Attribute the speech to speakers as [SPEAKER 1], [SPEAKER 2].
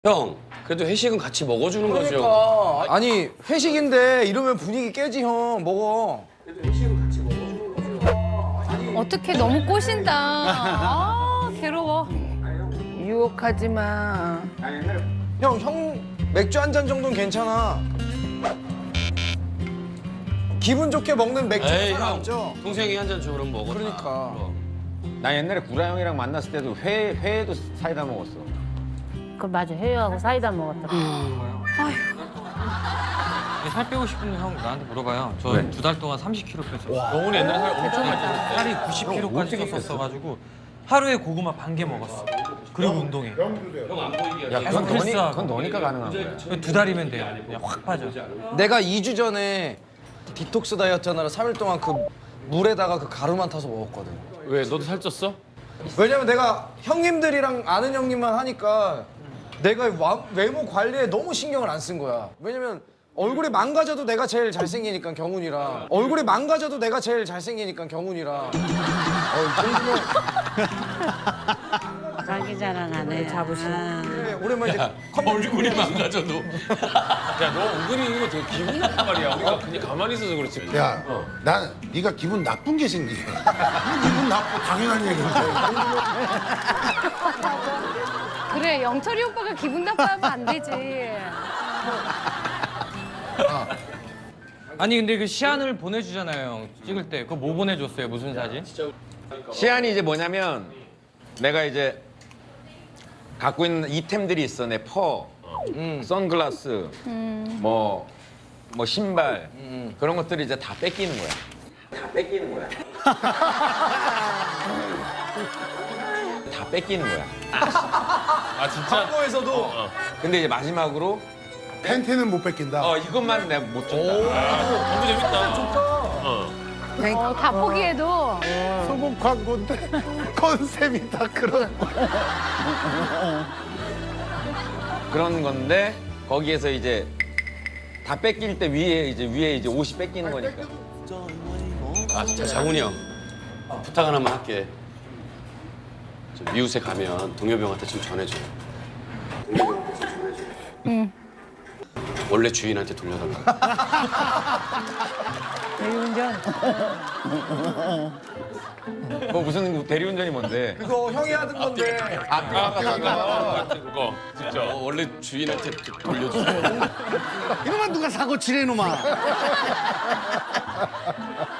[SPEAKER 1] 형, 그래도 회식은 같이 먹어주는 거죠.
[SPEAKER 2] 그러니까 아니 회식인데 이러면 분위기 깨지 형. 먹어.
[SPEAKER 1] 그래도 회식은 같이 먹어주는 거죠.
[SPEAKER 3] 어떻게 너무 꼬신다. 아, 괴로워.
[SPEAKER 4] 유혹하지 마.
[SPEAKER 2] 형 맥주 한 잔 정도는 괜찮아. 기분 좋게 먹는 맥주
[SPEAKER 1] 에이,
[SPEAKER 2] 잘
[SPEAKER 1] 형.
[SPEAKER 2] 남죠?
[SPEAKER 1] 동생이 한 잔 주면 먹어.
[SPEAKER 2] 그러니까.
[SPEAKER 5] 나 옛날에 구라 형이랑 만났을 때도 회에도 사이다 먹었어.
[SPEAKER 6] 그 맞아, 해요하고 사이다 먹었다.
[SPEAKER 7] 살 빼고 싶으면 형 나한테 물어봐요. 저
[SPEAKER 5] 왜?
[SPEAKER 7] 2달 동안 30kg 뺐어요. 영훈이 옛날에 살 엄청 많이 쪘어요. 살이 90kg까지 쪘었어가지고 하루에 고구마 반 개 먹었어. 그리고 운동해.
[SPEAKER 1] 형안 보이게.
[SPEAKER 5] 야, 그건,
[SPEAKER 7] 헬스하고.
[SPEAKER 5] 그건 너니까 가능한 거야.
[SPEAKER 7] 2달이면 돼요. 그냥 확 빠져.
[SPEAKER 2] 내가 2주 전에 디톡스 다이어트 하느라 3일 동안 그 물에다가 그 가루만 타서 먹었거든.
[SPEAKER 1] 왜? 너도 살쪘어?
[SPEAKER 2] 왜냐면 내가 형님들이랑 아는 형님만 하니까 내가 외모 관리에 너무 신경을 안 쓴 거야. 왜냐면 얼굴이 망가져도 내가 제일 잘생기니까 경훈이랑. 얼굴이 망가져도 내가 제일 잘생기니까 경훈이랑. 이 정도면
[SPEAKER 6] 자기 자랑하네. 자부심.
[SPEAKER 2] 그래, 오랜만에 이제
[SPEAKER 1] 얼굴이 망가져도. 야, 너 은근히 이거 되게 기분 나쁜 말이야. 우리가 그냥 가만히 있어서 그렇지.
[SPEAKER 8] 야, 난 네가 기분 나쁜 게 생기해. 기분 나쁘 당연한 얘기인데.
[SPEAKER 3] 그래, 영철이 오빠가 기분 나빠하면 안 되지.
[SPEAKER 7] 아니 근데 그 시안을 보내주잖아요. 형. 찍을 때. 그거 뭐 보내줬어요? 무슨 사진?
[SPEAKER 5] 시안이 이제 뭐냐면 내가 이제 갖고 있는 이템들이 있어. 내 퍼, 선글라스, 뭐 신발 그런 것들이 이제 다 뺏기는 거야. 다 뺏기는 거야. 다 뺏기는 거야.
[SPEAKER 1] 아, 진짜?
[SPEAKER 2] 광고에서도
[SPEAKER 5] 근데 이제 마지막으로
[SPEAKER 8] 팬티는 못 뺏긴다.
[SPEAKER 5] 이것만 내가 못 줬다.
[SPEAKER 1] 너무 재밌다.
[SPEAKER 3] 다 포기해도.
[SPEAKER 8] 소금 광고인데 컨셉이 다 그런.
[SPEAKER 5] 그런 건데 거기에서 이제 다 뺏길 때 위에 이제 옷이 뺏기는 거니까.
[SPEAKER 1] 아, 진짜 장훈이 형. 부탁 하나만 할게. 저 미우새 가면 동엽이 형한테 좀 전해줘. 동엽이 형한테 좀 전해줘. 응. 원래 주인한테 돌려달라.
[SPEAKER 6] 대리운전.
[SPEAKER 5] 뭐 무슨 대리운전이 뭔데?
[SPEAKER 2] 그거 형이 하던 건데
[SPEAKER 1] 그거 진짜 원래 주인한테 돌려주세요.
[SPEAKER 8] 이놈아 누가 사고 치래 이놈아.